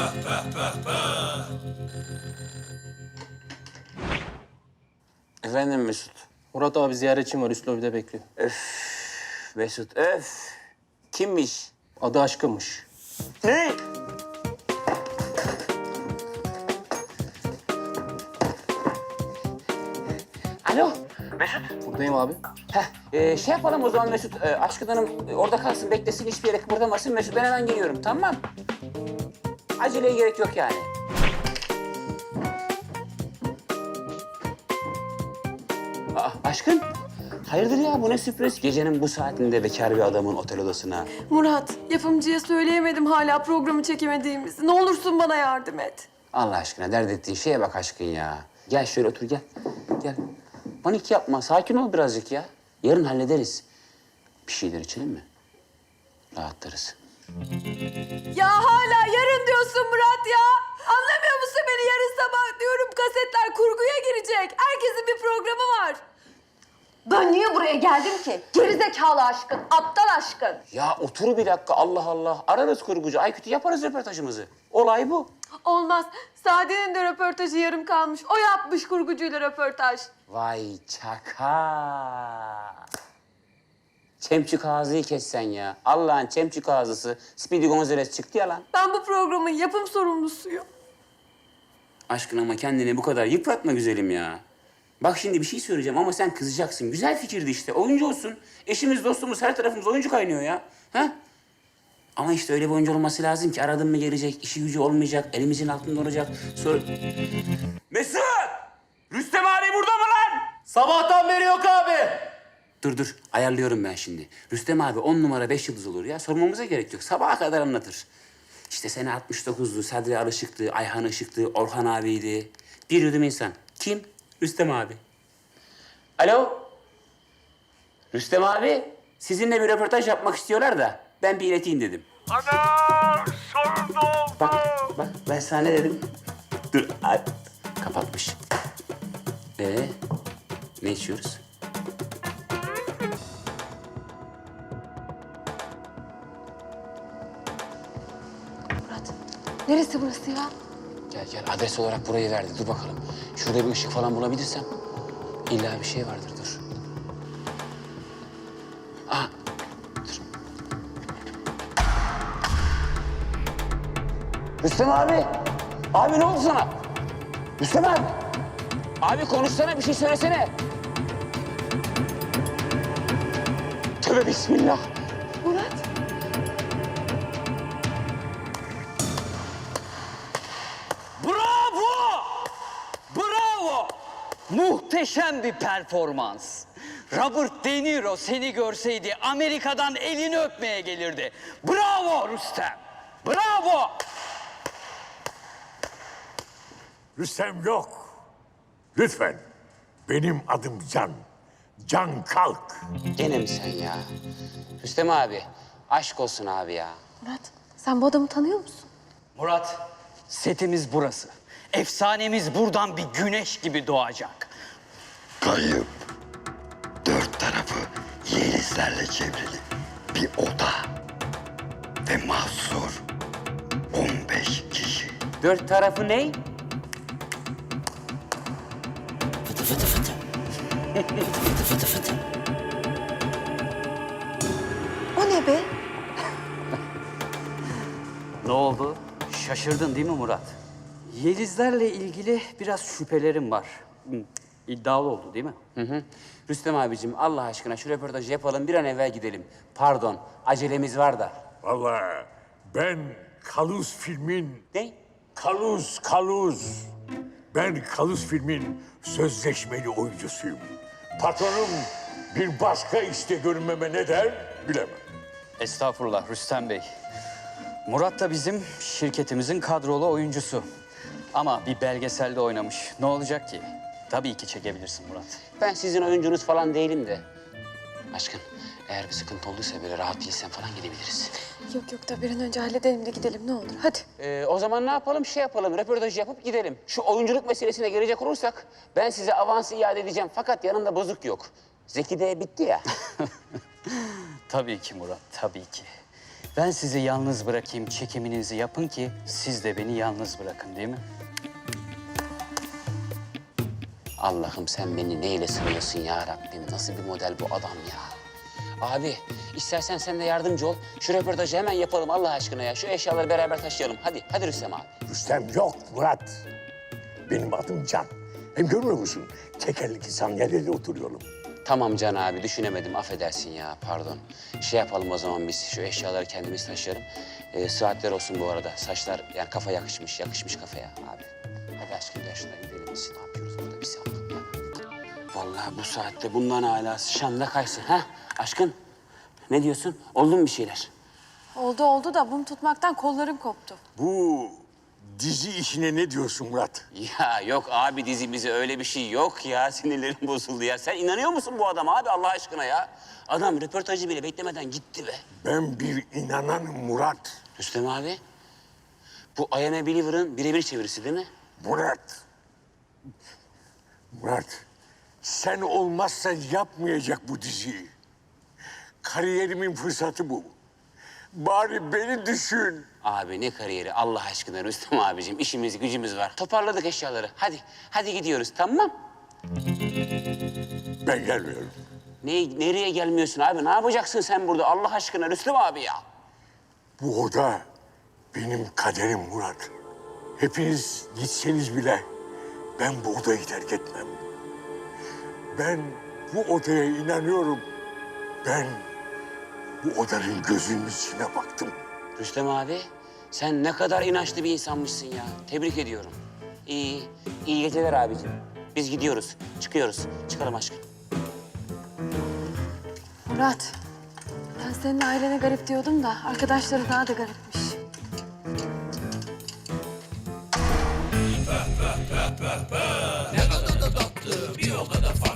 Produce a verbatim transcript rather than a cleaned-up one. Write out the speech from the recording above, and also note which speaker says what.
Speaker 1: Efendim Mesut.
Speaker 2: Murat abi ziyaretçim var. Üst lobide bekliyor.
Speaker 1: Mesut öf. Kimmiş?
Speaker 2: Adı Aşkın'mış.
Speaker 1: Ne? Alo. Mesut.
Speaker 2: Buradayım abi.
Speaker 1: Heh, e, şey yapalım o zaman Mesut. E, Aşkın Hanım e, orada kalsın, beklesin, hiçbir yere kıpırdamasın. Mesut ben hemen geliyorum, tamam. Aceleye gerek yok yani. Aa, Aşkın. Hayırdır ya, bu ne sürpriz? Gecenin bu saatinde bekar bir adamın otel odasına.
Speaker 3: Murat, yapımcıya söyleyemedim hala programı çekemediğimizi. Ne olursun bana yardım et.
Speaker 1: Allah aşkına dert ettiğin şeye bak Aşkın ya. Gel şöyle otur, gel. Gel. Panik yapma, sakin ol birazcık ya. Yarın hallederiz. Bir şeyler içelim mi? Rahatlarız.
Speaker 3: Ya hala yarın diyorsun Murat ya. Anlamıyor musun beni? Yarın sabah diyorum kasetler kurguya girecek. Herkesin bir programı var.
Speaker 4: Ben niye buraya geldim ki? Gerizekalı Aşkın, aptal Aşkın.
Speaker 1: Ya otur bir dakika, Allah Allah. Ararız kurgucu, Aykut'u yaparız röportajımızı. Olay bu.
Speaker 3: Olmaz. Sade'nin de röportajı yarım kalmış. O yapmış kurgucuyla röportaj.
Speaker 1: Vay çaka. Çemçük ağzıyı kessen ya. Allah'ın çemçük ağzısı. Speedy Gonzales çıktı ya lan.
Speaker 3: Ben bu programın yapım sorumlusuyum.
Speaker 1: Aşkın ama kendini bu kadar yıpratma güzelim ya. Bak şimdi bir şey söyleyeceğim ama sen kızacaksın. Güzel fikirdi işte. Oyuncu olsun. Eşimiz, dostumuz, her tarafımız oyuncu kaynıyor ya. Ha? Ama işte öyle bir oyuncu olması lazım ki aradın mı gelecek, işi gücü olmayacak, elimizin altında olacak. Sonra... Mesut! Rüstem abi burada mı lan?
Speaker 2: Sabahtan beri yok abi.
Speaker 1: Dur dur, ayarlıyorum ben şimdi. Rüstem abi on numara beş yıldız olur ya. Sormamıza gerek yok. Sabaha kadar anlatır. İşte sene altmış dokuzdu, Sadri Alışık'tı, Ayhan Işık'tı, Orhan abiydi. Bir yudum insan. Kim? Rüstem abi. Alo? Rüstem abi, sizinle bir röportaj yapmak istiyorlar da ben bir ileteyim dedim.
Speaker 5: Ana! Sorun oldu.
Speaker 1: Bak, bak ben sana ne dedim? Dur, ay, kapatmış. Ee, ne içiyoruz?
Speaker 4: Murat, neresi burası ya?
Speaker 1: Gel gel, adres olarak burayı verdi. Dur bakalım. Şurada bir ışık falan bulabilirsem. İlla bir şey vardır, dur. Aha, dur. Rüstem abi! Abi ne oldu sana? Rüstem abi! Abi konuşsana, bir şey söylesene. Tövbe bismillah.
Speaker 3: Murat.
Speaker 6: Bravo! Bravo! Muhteşem bir performans. Robert De Niro seni görseydi Amerika'dan elini öpmeye gelirdi. Bravo Rüstem! Bravo!
Speaker 5: Rüstem yok. Lütfen. Benim adım Can. Can Kalk.
Speaker 1: Gene mi sen ya? Rüstem abi, aşk olsun abi ya.
Speaker 4: Murat, sen bu adamı tanıyor musun?
Speaker 6: Murat, setimiz burası. Efsanemiz buradan bir güneş gibi doğacak.
Speaker 7: Kayıp. Dört tarafı yelizlerle çevrili bir oda. Ve mahsur on beş kişi.
Speaker 1: Dört tarafı ne?
Speaker 6: Fıtı fıtı fıtı. Fıtı fıtı fıtı.
Speaker 4: O ne be?
Speaker 6: Ne oldu? Şaşırdın değil mi Murat? Yelizlerle ilgili biraz şüphelerim var. Hı, İddialı oldu değil mi?
Speaker 1: Hı hı. Rüstem abicim Allah aşkına şu röportajı yapalım, bir an evvel gidelim. Pardon, acelemiz var da.
Speaker 5: Vallahi ben Kaluz filmin...
Speaker 1: Ne?
Speaker 5: Kaluz, Kaluz. Ben Kaluz filmin sözleşmeli oyuncusuyum. Patronum bir başka işte görünmeme ne der bilemem.
Speaker 6: Estağfurullah Rüstem Bey. Murat da bizim şirketimizin kadrolu oyuncusu. Ama bir belgeselde oynamış. Ne olacak ki? Tabii ki çekebilirsin Murat.
Speaker 1: Ben sizin oyuncunuz falan değilim de. Aşkın, eğer bir sıkıntı olduysa böyle rahat değilsen falan gidebiliriz.
Speaker 3: Yok yok da bir an önce halledelim de gidelim ne olur. Hadi.
Speaker 1: Ee, o zaman ne yapalım? Şey yapalım, röportajı yapıp gidelim. Şu oyunculuk meselesine gelecek olursak, ben size avansı iade edeceğim. Fakat yanında bozuk yok. Zeki de bitti ya.
Speaker 6: Tabii ki Murat, tabii ki. Ben sizi yalnız bırakayım, çekiminizi yapın ki siz de beni yalnız bırakın değil mi?
Speaker 1: Allah'ım sen beni neyle sınıyorsun ya Rabbim? Nasıl bir model bu adam ya? Abi istersen sen de yardımcı ol. Şu röportajı hemen yapalım Allah aşkına ya. Şu eşyaları beraber taşıyalım. Hadi, hadi Rüstem abi.
Speaker 5: Rüstem yok Murat. Benim adım Can. Hem görmüyor musun? Tekerlekli sandalyede oturuyorum.
Speaker 1: Tamam Can abi düşünemedim affedersin ya pardon. Şey yapalım o zaman biz şu eşyaları kendimiz taşıyalım. Ee, saatler olsun bu arada. Saçlar yani kafa yakışmış, yakışmış kafaya abi. Hadi aşkım gel şuna gidelim biz. Ne yapıyoruz burada bir saat? Vallahi bu saatte bundan hala Şam'da kaysın ha? Aşkım ne diyorsun? Oldu mu bir şeyler?
Speaker 3: Oldu oldu da mum tutmaktan kollarım koptu.
Speaker 5: Bu dizi işine ne diyorsun Murat?
Speaker 1: Ya yok abi dizimizi öyle bir şey yok ya. Sinirlerim bozuldu ya. Sen inanıyor musun bu adama abi Allah aşkına ya? Adam röportajı bile beklemeden gitti be.
Speaker 5: Ben bir inananım Murat.
Speaker 1: Rüstem abi, bu I Am a Believer'ın birebir çevirisi değil mi?
Speaker 5: Murat. Murat. Sen olmazsan yapmayacak bu diziyi. Kariyerimin fırsatı bu. Bari beni düşün.
Speaker 1: Abi ne kariyeri Allah aşkına Rüstem abicim. İşimiz gücümüz var. Toparladık eşyaları. Hadi, hadi gidiyoruz tamam.
Speaker 5: Ben gelmiyorum.
Speaker 1: Ne, nereye gelmiyorsun abi? Ne yapacaksın sen burada Allah aşkına Rüstem abi ya?
Speaker 5: Bu oda benim kaderim Murat. Hepiniz gitseniz bile ben bu odayı terk etmem. Ben bu odaya inanıyorum. Ben bu odanın gözünün içine baktım.
Speaker 1: Rüstem abi, sen ne kadar inançlı bir insanmışsın ya. Tebrik ediyorum. İyi, iyi geceler abicim. Biz gidiyoruz, çıkıyoruz. Çıkalım aşkım.
Speaker 3: Murat, ben senin ailene garip diyordum da arkadaşları daha da garipmiş.
Speaker 8: Ne kadar da tatlı, bir o kadar farklı.